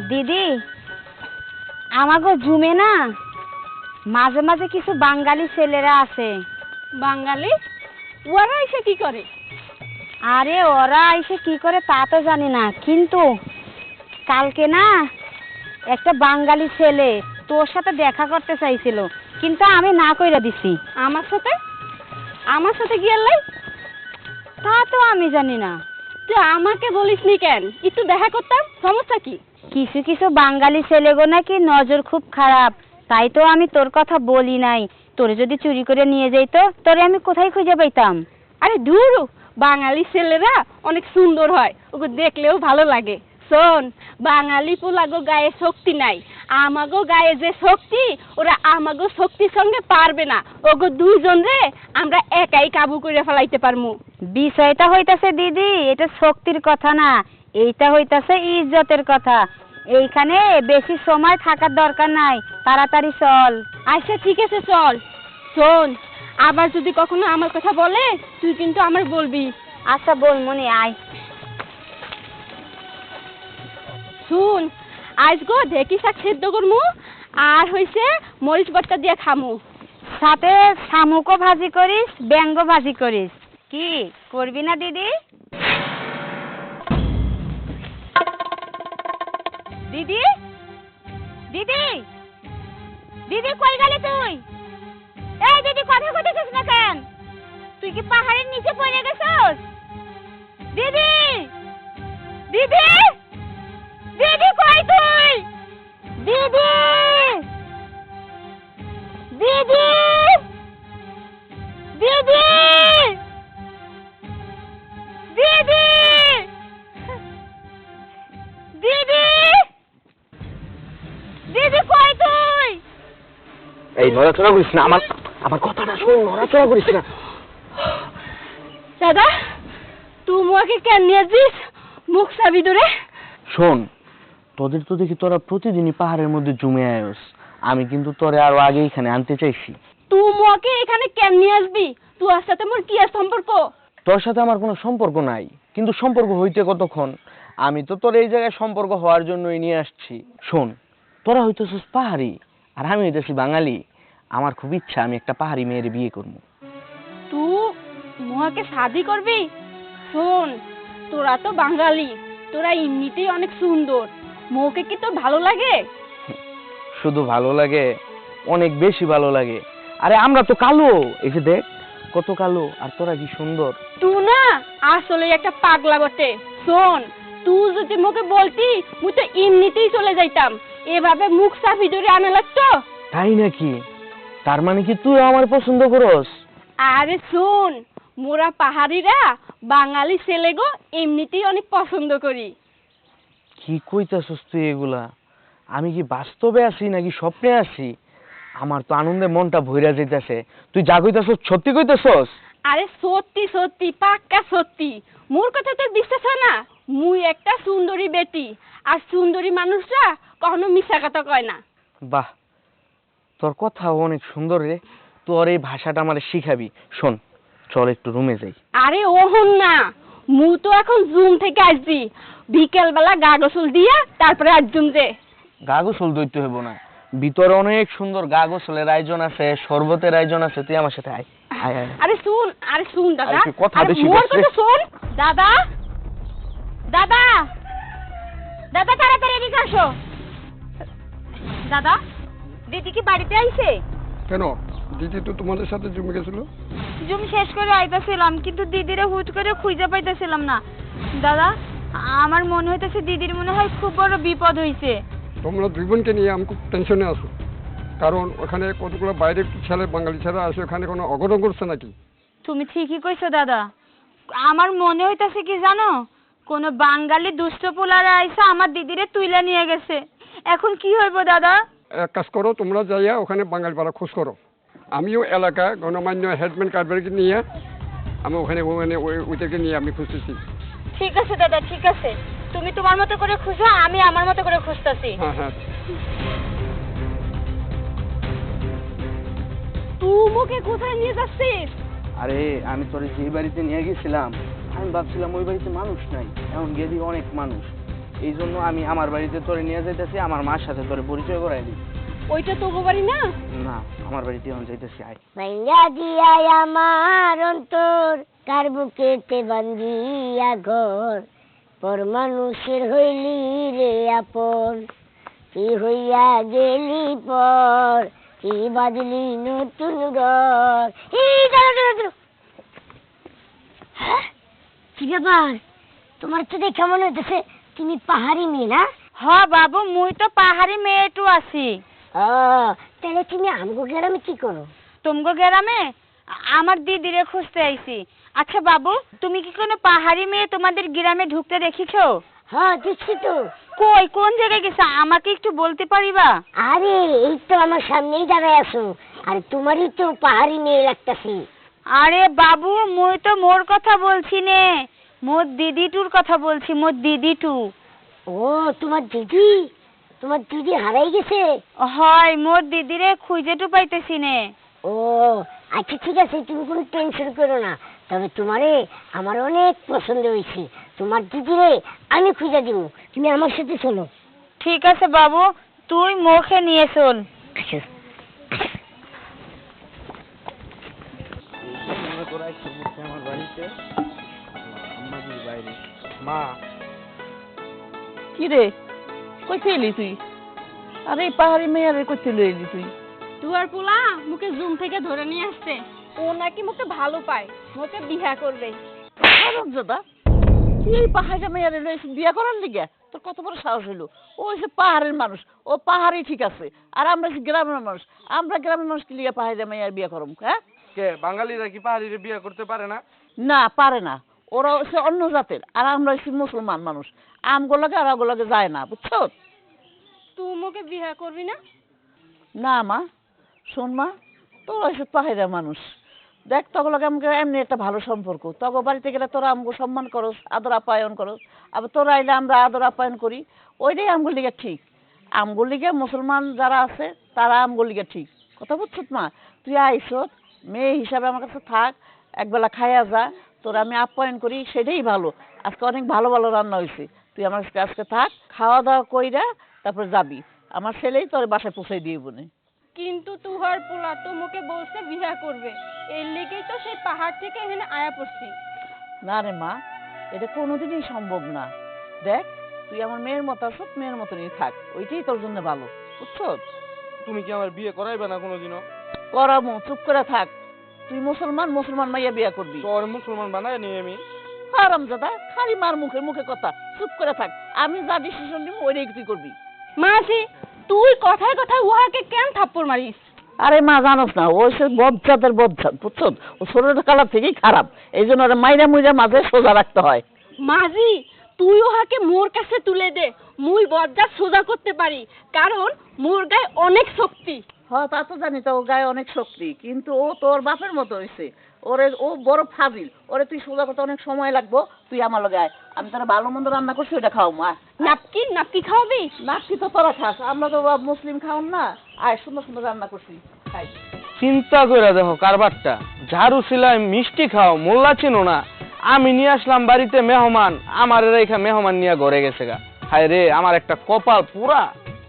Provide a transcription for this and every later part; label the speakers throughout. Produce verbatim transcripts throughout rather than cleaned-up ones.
Speaker 1: দিদি, আমাগো জুমে না মাঝে মাঝে কিছু বাঙালি ছেলেরা আছে।
Speaker 2: বাঙালি? ওরা এসে কি করে?
Speaker 1: আরে ওরা এসে কি করে তা তো জানি না, কিন্তু কালকে না একটা বাঙালি ছেলে তোর সাথে দেখা করতে চাইছিল, কিন্তু আমি না কইরা দিছি।
Speaker 2: আমার সাথে? আমার সাথে কি আল্লাই?
Speaker 1: তা তো আমি জানি না।
Speaker 2: তুই আমাকে বলিসনি কেন? একটু দেখা করতাম, সমস্যা কি?
Speaker 1: কিছু কিছু বাঙালি ছেলেগো নাকি নজর খুব খারাপ, তাই তো আমি তোর কথা বলি নাই। তোরে যদি চুরি করে নিয়ে যাইতো তোরে আমি কোথায় খুঁজে পাইতাম?
Speaker 2: আরে ধুর, বাঙালি ছেলেরা অনেক সুন্দর হয়, ওকে দেখলেও ভালো লাগে। শোন, বাঙালি পোলাগো গায়ে শক্তি নাই, আমাগো গায়ে যে শক্তি ওরা আমাগো শক্তির সঙ্গে পারবে না। ওগো দুইজন রে আমরা একাই কাবু করে ফেলাইতে পারমু।
Speaker 1: বিষয়টা হইতাছে দিদি, এটা শক্তির কথা না, এইটা হইতাছে ইজ্জতের কথা। এইখানে বেশি সময় থাকার দরকার নাই, তাড়াতাড়ি চল।
Speaker 2: আচ্ছা ঠিক আছে, চল। শোন, আবার যদি কখনো আমার কথা বলে তুই কিন্তু আমার বলবি।
Speaker 1: আচ্ছা বল মনি, আয়।
Speaker 2: শুন, আজ গো ঢেকি শাক সেদ্ধ করমু, আর হইছে মরিচ ভর্তা দিয়ে খামু।
Speaker 1: সাথে শামুকও ভাজি করিস, ব্যাঙ্গ ভাজি করিস। কি করবি না দিদি? দিদি, দিদি, দিদি কই গেলি তুই? এই দিদি, কথা কইতেছিস না কেন? তুই কি পাহাড়ের নিচে পড়ে গেছস? দিদি, দিদি, দিদি কই তুই? দিদি, দিদি, দিদি, দিদি, দিদি, দিদি কই তুই?
Speaker 3: এই নড়াচড়া করিস না, আমার আমার কথাটা শোন, নড়াচড়া করিস না।
Speaker 2: দাদা, তুই মুখে কেন নিয়েছিস? মুখ চাবি ধরে।
Speaker 3: শোন, তোদের তো দেখি তোরা প্রতিদিনই পাহাড়ের মধ্যে জমে আয়স, আমি কিন্তু তোরে আরো আগে এখানে আনতে চাইছি।
Speaker 2: তুই মুখে এখানে কেন নিয়ে আসবি? তোর সাথে মোর কি আর সম্পর্ক?
Speaker 3: তোর সাথে আমার কোনো সম্পর্ক নাই, কিন্তু সম্পর্ক হইতে কতক্ষণ? আমি তো তোর এই জায়গায় সম্পর্ক হওয়ার জন্যই নিয়ে আসছি। শোন, তোরা হইতেছিস পাহাড়ি আর আমি হইতেছি বাঙালি। আমার খুব ইচ্ছা আমি একটা পাহাড়ি মেয়ের বিয়ে করবো।
Speaker 2: তুই মুখে শাদি করবি? শোন, তোরা তো বাঙালি, তোরা এমনিতেই অনেক সুন্দর, মুখে কি তোর ভালো লাগে?
Speaker 3: শুধু ভালো লাগে, অনেক বেশি ভালো লাগে। আরে আমরা তো কালো, এই যে দেখ কত কালো, আর তোরা কি সুন্দর।
Speaker 2: তুই না আসলে একটা পাগলা বটে। শোন, তুই যদি মুখে বলতি মুই তো এমনিতেই চলে যাইতাম, এভাবে মুখ চাপি ধরে আনা লাগতো।
Speaker 3: তাই নাকি? তার মানে কি তুই আমার পছন্দ করস?
Speaker 2: আরে শোন, মোরা পাহাড়িরা বাঙালি ছেলে গো এমনিতেই অনেক পছন্দ করি।
Speaker 3: কি কইতাছস তুই এগুলা? আমি কি বাস্তবে আছি নাকি স্বপ্নে আছি? আমার তো আনন্দে মনটা ভইরা যাইতাছে। তুই যা কইতাছস সত্যি কইতাছস?
Speaker 2: আরে সত্যি সত্যি, পাক্কা সত্যি। মোর কথা তোর বিশ্বাস হয় না? মুই একটা সুন্দরী বেটি, আর সুন্দরী মানুষরা কখনো মিথ্যা কথা কয় না।
Speaker 3: বাহ, তোর কথা অনেক সুন্দর রে। তোর এই ভাষাটা আমারে শিখাবি। শোন, চল একটু রুমে যাই।
Speaker 2: আরে ওহন না, মু তো এখন জুম থেকে আসছি, বিকেল বেলা গা গোসল দিয়া তারপরে আসজুম যে।
Speaker 3: গা গোসল দইতে হইব না, ভিতরে অনেক সুন্দর গা গোসলের আয়োজন আছে, শরবতের আয়োজন আছে, তুই আমার সাথে আয়। আয় আয়।
Speaker 2: আরে শুন, আরে শুন দাদা,
Speaker 3: আরে তুই কথা
Speaker 2: আরে
Speaker 3: বেশি
Speaker 2: মোর
Speaker 3: বলছিস।
Speaker 2: কথা শোন।
Speaker 1: দাদা, দাদা, দাদা তাড়াতাড়ি এদিকে আসো। দাদা, দিদি কি বাড়িতে আইছে?
Speaker 4: কেন, দিদি তো তোমাদের সাথে জমে গেছিল।
Speaker 1: জুম শেষ করে আইতাছিলাম, কিন্তু দিদিরে হুট করে খুঁজে পাইতেছিলাম না। দাদা, আমার মনে হইতেছে দিদির মনে হয় খুব বড় বিপদ হইছে।
Speaker 4: তোমরা দুই বোনকে নিয়ে আমি খুব টেনশনে আছো, কারণ ওখানে কতগুলো বাইরের ছেলে বাঙালি ছেলে আসে, ওখানে কোনো অঘটন করছে নাকি?
Speaker 1: তুমি ঠিকই কইছো দাদা, আমার মনে হইতাছে কি জানো, কোন বাঙালি দুষ্ট পোলারা আইসা আমার দিদিরে তুইলা নিয়ে গেছে। এখন কি হইব দাদা?
Speaker 4: এক কাজ করো, তোমরা যাইয়া ওখানে বাঙালি পাড়া খোঁজ করো। আমিও এলাকা গণমান্য হেডম্যান কারবারকে নিয়ে আমি ওখানে ওখানে ওইটাকে নিয়ে আমি খুঁজতেছি।
Speaker 1: ঠিক আছে দাদা, ঠিক আছে, তুমি তোমার মতো করে খুঁজো, আমি আমার মতো করে খুঁজতাছি।
Speaker 4: হ্যাঁ হ্যাঁ।
Speaker 2: তুই মুখে কোথায় নিয়ে যাচ্ছিস?
Speaker 3: আরে আমি তোরে যে বাড়িতে নিয়ে গেছিলাম, আমি ভাবছিলাম ওই বাড়িতে মানুষ নাই, এমন গেলি অনেক মানুষ। এই জন্য আমি আমার বাড়িতে তোরে নিয়ে যাইতেছি, আমার মার সাথে তোরে পরিচয় করাই দিই।
Speaker 2: ওইটা তো বাড়ি না।
Speaker 3: না, আমার বাড়িতে এখন যাইতেছি, আয়।
Speaker 5: ভাইয়া দিয়া আমার অন্তর কার বুকেতে বান্ধিয়া ঘর, পর মানুষের হইলি রে আপন, কি হইয়া গেলি পর, কি বাজলি নতুন ঘর। এই দাঁড়া দাঁড়া দাঁড়া। হ্যাঁ? কি ব্যাপার, তোমার তো দেখে মনে হইতেছে তুমি পাহাড়ি মেয়ে না?
Speaker 1: হ বাবু, মুই তো পাহাড়ি মেয়েটু আছি।
Speaker 5: ও, তাহলে তুমি আমগো গ্রামে কি করো?
Speaker 1: তুমগো গ্রামে আমার দিদিরে খুঁজতে আইছি। আচ্ছা বাবু, তুমি কি কোনো পাহাড়ি মেয়ে তোমাদের গ্রামে ঢুকতে দেখিছো?
Speaker 5: হ্যাঁ দেখছি তো।
Speaker 1: কই, কোন জায়গায় গেছে আমাকে একটু বলতে পারিবা?
Speaker 5: আরে এই তো আমার সামনেই দাঁড়ায় আছো, আর তোমারই তো পাহাড়ি মেয়ে লাগতেছে।
Speaker 1: আরে বাবু, মুই তো মোর কথা বলছি নে, মোর দিদিটুর কথা বলছি, মোর দিদিটু।
Speaker 5: ও তোমার দিদি, তোমার দিদি হারাই গেছে?
Speaker 1: হয়, মোর দিদিরে খুঁজেটু পাইতেছি নে।
Speaker 5: ও আচ্ছা ঠিক আছে, তুমি কোনো টেনশন করো না। তবে তোমারে আমার অনেক পছন্দ হয়েছে, তোমার দিদিরে আমি খুঁজে দিব, তুমি আমার সাথে চলো।
Speaker 1: ঠিক আছে বাবু, তুই মুখে নিয়ে চল।
Speaker 5: আচ্ছা
Speaker 3: তোরা একটু বসে আমার বাড়িতে, আম্মা দিদি বাইরে। মা,
Speaker 6: কি রে, কইতে এলি তুই? আরে এই পাহাড়ি মেয়ারে কইতে এলি তুই?
Speaker 2: দুয়ার পোলা মুখে জুম থেকে ধরে নিয়ে আসছে, ও নাকি মুখে ভালো পায়, মুখে বিয়া করবে।
Speaker 6: দাদা, তুই এই পাহাড়ি মেয়ারে লইছিস বিয়া করার লিগে? তোর কত বড় সাহস হইলো? ও হচ্ছে পাহাড়ের মানুষ, ও পাহাড়ি ঠিক আছে, আর আমরা হচ্ছে গ্রামের মানুষ। আমরা গ্রামের মানুষ কি লিগে পাহাড়ি মেয়ার বিয়া করব? হ্যাঁ,
Speaker 3: কে বাঙালিরা কি পাহাড়িরে বিয়ে করতে পারে না?
Speaker 6: না পারে না, ওরা হচ্ছে অন্য জাতের, আর আমরা হচ্ছে মুসলমান মানুষ। আমগুলোকে আর ওগুলোকে যায় না, বুঝছো?
Speaker 2: তুই মুখে বিয়া করবি না?
Speaker 6: না মা, শোন মা, তোরা হচ্ছে পাহাড়া মানুষ, দেখ তগলকে আমাকে এমনি একটা ভালো সম্পর্ক, তগ বাড়িতে গেলে তোরা আমগো সম্মান করস, আদর আপ্যায়ন করস, আবার তোরা আইলে আমরা আদর আপ্যায়ন করি, ওইটাই আমগুর লিগে ঠিক। আমগুর লিগে মুসলমান যারা আছে তারা আমগুর লিগে ঠিক, কথা বুঝছত মা? তুই আইসত মেয়ে হিসাবে আমার কাছে থাক, একবেলা খাইয়া যা, তোরা আমি আপ্যায়ন করি, সেটাই ভালো। আজকে অনেক ভালো ভালো রান্না হয়েছে, তুই আমার কাছে আজকে থাক, খাওয়া দাওয়া কইরা তারপর যাবি। আমার ছেলেই তোর বাসায় পৌঁছাই দিয়ে বনে।
Speaker 2: কিন্তু তুহার পোলা তো মুখে বলছে বিয়া করবে, এর লেগেই তো সেই পাহাড় থেকে এখানে আয়া পড়ছি।
Speaker 6: না রে মা, এটা কোনোদিনই সম্ভব না। দেখ তুই আমার মেয়ের মতো আছো, মেয়ের মতনই থাক, ওইটাই তোর জন্য ভালো, বুঝছো?
Speaker 3: তুমি কি আমার বিয়ে করাইবে না কোনোদিনও?
Speaker 6: করামো, চুপ করে থাক। তুই মুসলমান, মুসলমান মাইয়া বিয়া করবি।
Speaker 3: তোর মুসলমান বানায় নি আমি?
Speaker 6: হারামজাদা, খালি মার মুখে মুখে কথা, চুপ করে থাক। আমি যা ডিসিশন নিব ওইটাই তুই করবি।
Speaker 2: মাসি, তুই কথায় কথায় উহাকে কেন থাপ্পড় মারিস?
Speaker 6: আরে মা জানোস না, ওই সে বদজাতের বদজাত, বুঝছো? ও ছোট কালার থেকেই খারাপ, এই জন্য ওরা মাইরা মুইরা মাঝে সোজা রাখতে হয়।
Speaker 2: মাঝি, তুই ওহাকে মোর কাছে তুলে দে, মুই বজ্জাত সোজা করতে পারি, কারণ মোর গায়ে অনেক শক্তি।
Speaker 6: হ্যাঁ তা তো জানি, তো ওর গায়ে অনেক শক্তি, কিন্তু ও তোর বাপের মতো হয়েছে। ওরে ও বড় ফাজিল, ওরে তুই সোজা করতে অনেক সময় লাগবো। তুই আমার লগে আয়, আমি তোরা ভালো মন্দ রান্না করছি, ওটা খাও মা।
Speaker 2: নাপকি নাপকি খাওয়াবি?
Speaker 6: নাকি তো তোরা খাস, আমরা তো মুসলিম খাওন না। আয়, সুন্দর সুন্দর রান্না করছি, খাই।
Speaker 3: চিন্তা করে দেখো কারবারটা, ঝাড়ু সিলাই মিষ্টি খাও, মোল্লা চিনো না। আমি নিয়ে আসলাম বাড়িতে মেহমান, আমার রেখা মেহমান নিয়ে ঘরে গেছে গা। হায় রে, আমার একটা কপাল পুরা।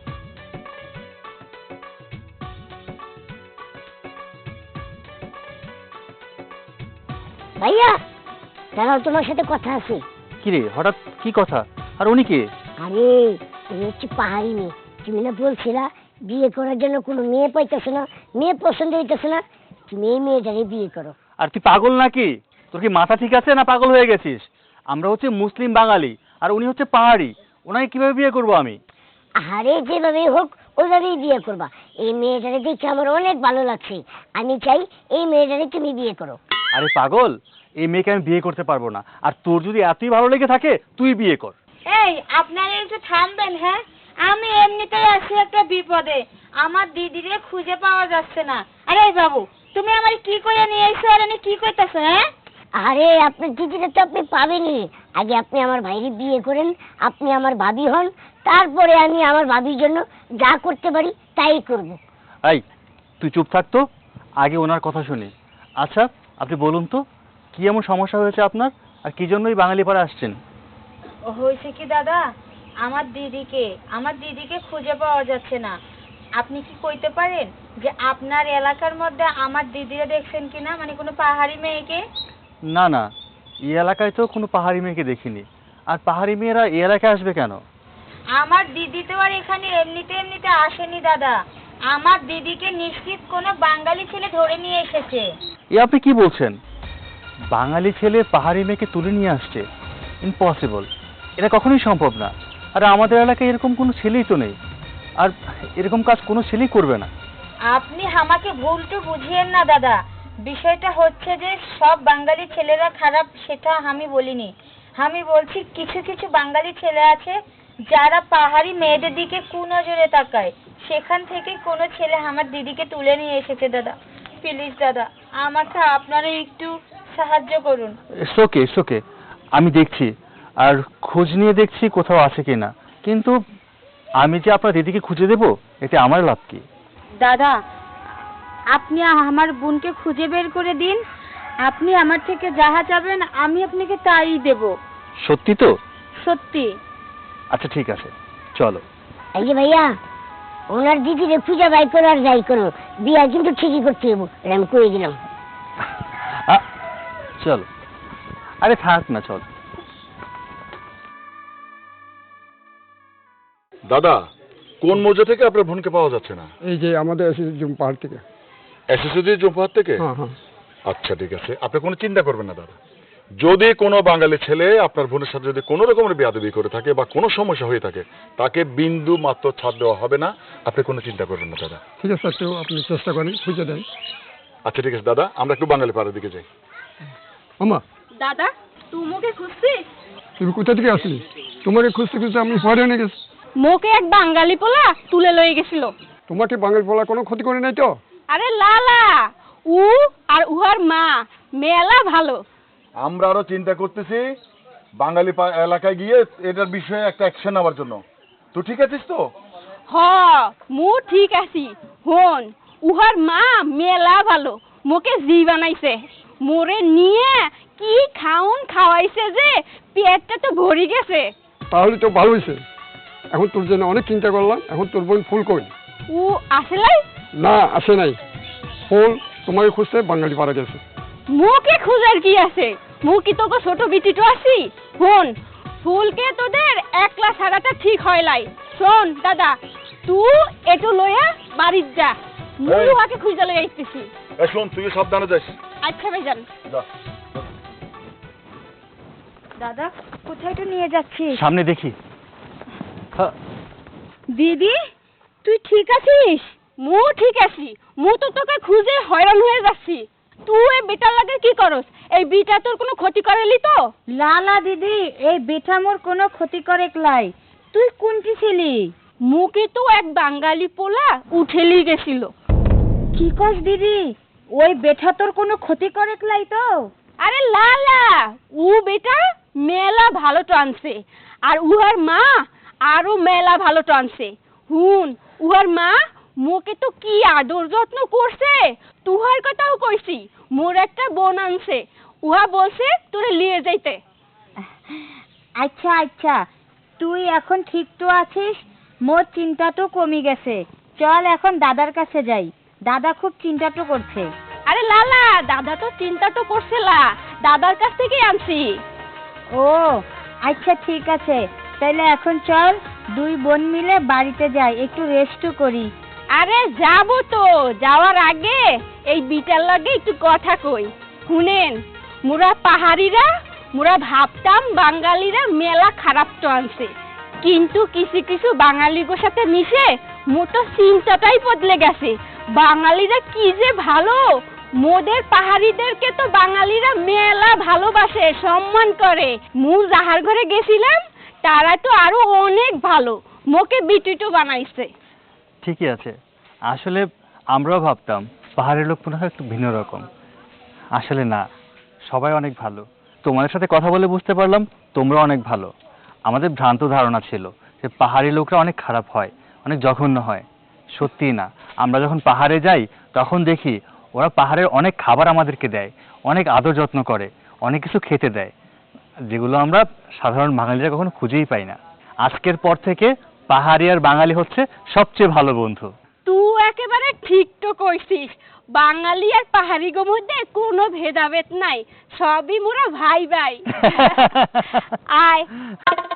Speaker 5: ভাইয়া দাঁড়াও, তোমার সাথে কথা আছে।
Speaker 7: কি রে, হঠাৎ কি কথা? আর উনি কে?
Speaker 5: আরে তুমি হচ্ছে পাহাড়ি মেয়ে, তুমি না বলছিলা বিয়ে করার জন্য কোনো মেয়ে পাইতেছে না, মেয়ে পছন্দ হইতেছে না, তুমি এই মেয়েটারে বিয়ে করো।
Speaker 7: আর তুই পাগল নাকি? তোর কি মাথা ঠিক আছে না পাগল হয়ে গেছিস? আমরা হচ্ছে মুসলিম বাঙালি, আর উনি হচ্ছে পাহাড়ি, ওনাকে কিভাবে বিয়ে করব আমি?
Speaker 5: আরে যেভাবেই হোক ওইভাবেই বিয়ে করবা। এই মেয়েটারে দেখে আমার অনেক ভালো লাগছে, আমি চাই এই মেয়েটারে তুমি বিয়ে করো।
Speaker 7: আরে পাগল, এই মেয়েকে আমি বিয়ে করতে পারবো না, আর তোর যদি এতই ভালো লেগে থাকে তুই বিয়ে কর।
Speaker 1: এই আপনারা একটু থামবেন, হ্যাঁ? আমি এমনিতেই আছি একটা বিপদে, আমার দিদিরে খুঁজে পাওয়া যাচ্ছে না। আরে বাবু, তুমি আমার কি করে নিয়ে এসো, আর আমি কি করতেছো? হ্যাঁ,
Speaker 5: আরে আপনার দিদিটা তো আপনি পাবেনই, আগে আপনি আমার ভাইরে বিয়ে করেন, আপনি আমার ভাবি হন, তারপরে আমি আমার ভাবির জন্য যা করতে পারি তাই করব।
Speaker 7: এই তুই চুপ থাকতো, আগে ওনার কথা শুনি। আচ্ছা আপনি বলুন তো, কি এমন সমস্যা হয়েছে আপনার, আর কি জন্যই বাঙালি পাড়া আসছেন?
Speaker 1: হয়েছে কি দাদা, আমার দিদিকে আমার দিদিকে খুঁজে পাওয়া যাচ্ছে না। আপনি কি কইতে পারেন যে আপনার এলাকার মধ্যে আমার দিদিরা দেখছেন কিনা, মানে কোনো পাহাড়ি মেয়েকে?
Speaker 7: না না, এই এলাকায় তো কোনো পাহাড়ি মেয়েকে দেখিনি। আর পাহাড়ি মেয়েরা এই এলাকায় আসবে কেন?
Speaker 1: আমার দিদি তো আর এখানে এমনিতে এমনিতে আসেনি দাদা। আমার দিদিকে নিশ্চিত কোনো বাঙালি ছেলে ধরে নিয়ে এসেছে।
Speaker 7: এ আপনি কি বলছেন? বাঙালি ছেলে পাহাড়ি মেয়েকে তুলে নিয়ে আসছে? ইম্পসিবল, এটা কখনোই সম্ভব না। আর আমাদের এলাকায় এরকম কোনো ছেলেই তো নেই, আর এরকম কাজ কোনো ছেলেই করবে না।
Speaker 1: আপনি আমাকে ভুলটু বুঝিয়েন না দাদা। বিষয়টা হচ্ছে যে সব বাঙালি ছেলেরা খারাপ সেটা আমি বলিনি। আমি বলছি কিছু কিছু বাঙালি ছেলে আছে যারা পাহাড়ি মেয়েদের দিকে কুনজরে তাকায়। সেখান থেকে কোনো ছেলে আমার দিদিকে তুলে নিয়ে এসেছে দাদা। প্লিজ দাদা, আমাকে আপনারা একটু সাহায্য করুন।
Speaker 7: ইটস ওকে, ইটস ওকে, আমি দেখছি আর খোঁজ নিয়ে দেখছি কোথাও আছে কিনা। কিন্তু আমি যে আপনার দিদিকে খুঁজে দেব, এতে আমার লাভ কি?
Speaker 1: দাদা, আপনি আমার বোনকে খুঁজে বের করে দিন। আপনি আমার থেকে যাহা চাবেন আমি আপনাকে তাই দেব।
Speaker 7: সত্যি তো?
Speaker 1: সত্যি।
Speaker 7: আচ্ছা ঠিক আছে, চলো।
Speaker 5: এই যে ভাইয়া, ওনার দিদিরে খুঁজে বাই করো আর যাই করো, বিয়া কিন্তু ঠিকই করতে হইব, এটা আমি কয়ে দিলাম।
Speaker 7: আ, চলো। আরে থাক না, চল।
Speaker 8: দাদা, কোন মৌজা থেকে আপনার বোনকে পাওয়া যাচ্ছে না?
Speaker 4: এই যে আমাদের এসেছে জুম পাহাড় থেকে।
Speaker 8: এসএসসি জম্পাহার থেকে?
Speaker 4: হ্যাঁ হ্যাঁ।
Speaker 8: আচ্ছা ঠিক আছে, আপনি কোনো চিন্তা করবেন না দাদা। যদি কোনো বাঙালি ছেলে আপনার বোনের সাথে যদি কোনো রকমের বেয়াদবি করে থাকে বা কোনো সমস্যা হয়ে থাকে, তাকে বিন্দু মাত্র ছাড় দেওয়া হবে না। আপনি কোনো চিন্তা করবেন না দাদা।
Speaker 4: ঠিক আছে, একটু আপনি চেষ্টা করেন, খুঁজে দেন।
Speaker 8: আচ্ছা ঠিক আছে দাদা, আমরা একটু বাঙালি পাড়ার দিকে যাই।
Speaker 4: আমা,
Speaker 2: দাদা, তুমুকে খুঁজছিস?
Speaker 4: তুমি কোথা থেকে আসলি? তোমাকে খুঁজতে খুঁজতে আমি পরে এনে গেছি।
Speaker 2: মোকে এক বাঙালি পোলা তুলে লয়ে গেছিল।
Speaker 4: তোমাকে বাঙালি বলা কোনো ক্ষতি করে নাই তো?
Speaker 2: আরে লালা, উ আর উহার মা মেলা ভালো।
Speaker 8: আমরা আরো চিন্তা করতেছি বাঙালি পা- এলাকায় গিয়ে এটার বিষয়ে একটা অ্যাকশন নেওয়ার জন্য। তো ঠিক আছিস তো?
Speaker 2: হ, মু ঠিক আছি। হন, উহার মা মেলা ভালো, মোকে জি বানাইছে। মোরে নিয়ে কি খাউন খাওয়াইছে যে পেটটা তো ভরি গেছে।
Speaker 4: তাহলে তো ভালো হয়েছে। এখন তোর জন্য অনেক চিন্তা করলাম। এখন তোর বোন ফুল কই?
Speaker 2: উ আসলাই
Speaker 4: না, আসে নাই। ফুল তোমাকে খুঁজতে বাঙালি পাড়া গেছে।
Speaker 2: মুকে খুঁজার কি আছে? মু কি তোকে ছোট বিটিটো আছি? হন, ফুলকে তোদের একলা ছাড়াটা ঠিক হয় লাই। শোন দাদা, তুই এটু লইয়া বাড়ির যা, মু
Speaker 8: এই।
Speaker 2: উহাকে খুঁজা লইয়া আইতেছি।
Speaker 8: এ শোন, তুই সাবধানে যাস।
Speaker 2: আচ্ছা ভাইজান।
Speaker 8: যা।
Speaker 1: দাদা, কোথায় তো নিয়ে যাচ্ছিস?
Speaker 7: সামনে দেখি। হ্যাঁ,
Speaker 1: দিদি, তুই ঠিক আছিস?
Speaker 2: মু ঠিক আছি। মু তো তোকে খুঁজে হয়রান হয়ে যাচ্ছি। তুই এই বেটার লাগে কি করস? এই বিটা তোর কোনো ক্ষতি করেলি তো?
Speaker 1: লালা দিদি, এই বেটা মোর কোনো ক্ষতি করে লাই। তুই কোনটি ছিলি?
Speaker 2: মুকে তো এক বাঙালি পোলা উঠেলি গেছিল।
Speaker 1: কি কস দিদি? ওই বেটা তোর কোনো ক্ষতি করে লাই তো?
Speaker 2: আরে লালা, উ বেটা মেলা ভালো টানছে, আর উহার মা আরো মেলা ভালো টানছে। হুন, উহার মা মোকে তো কি আদর যত্ন করছে। তুহার কথাও কইছি, মোর একটা বোন আনছে, উহা বলছে তোরে লিয়ে যাইতে।
Speaker 1: আচ্ছা আচ্ছা, তুই এখন ঠিক তো আছিস? মোর চিন্তা তো কমে গেছে। চল এখন দাদার কাছে যাই। দাদা খুব চিন্তা তো করছে।
Speaker 2: আরে লালা, দাদা তো চিন্তা তো করছিলা, দাদার কাছ থেকে আনছি।
Speaker 1: ও আচ্ছা ঠিক আছে, তাইলে এখন চল দুই বোন মিলে বাড়িতে যাই, একটু রেস্টও করি।
Speaker 2: আরে যাবো তো, যাওয়ার আগে এই বিটার লাগে একটু কথা কই। শুনেন, মোরা পাহাড়িরা মোরা ভাবতাম বাঙালিরা মেলা খারাপ তো আনছে, কিন্তু কিছু কিছু বাঙালিগোর সাথে মিশে মোটো চিন্তাটাই বদলে গেছে। বাঙালিরা কি যে ভালো, মোদের পাহাড়িদেরকে তো বাঙালিরা মেলা ভালোবাসে, সম্মান করে। মু যাহার ঘরে গেছিলাম তারা তো আরো অনেক ভালো, মোকে বিটিটো বানাইছে।
Speaker 7: ঠিকই আছে। আসলে আমরাও ভাবতাম পাহাড়ের লোক মনে হয় একটু ভিন্ন রকম। আসলে না, সবাই অনেক ভালো। তোমাদের সাথে কথা বলে বুঝতে পারলাম তোমরা অনেক ভালো। আমাদের ভ্রান্ত ধারণা ছিল যে পাহাড়ি লোকরা অনেক খারাপ হয়, অনেক জঘন্য হয়। সত্যি না, আমরা যখন পাহাড়ে যাই তখন দেখি ওরা পাহাড়ের অনেক খাবার আমাদেরকে দেয়, অনেক আদর যত্ন করে, অনেক কিছু খেতে দেয়, যেগুলো আমরা সাধারণ বাঙালিরা কখনো খুঁজেই পাই না। আজকের পর থেকে পাহাড়ি আর বাঙালি হচ্ছে সবচেয়ে ভালো বন্ধু।
Speaker 2: তুই একেবারে ঠিক তো কইছিস, বাঙালি আর পাহাড়ি গো মধ্যে কোনো ভেদাভেদ নাই, সবই মোরা ভাই ভাই। আয়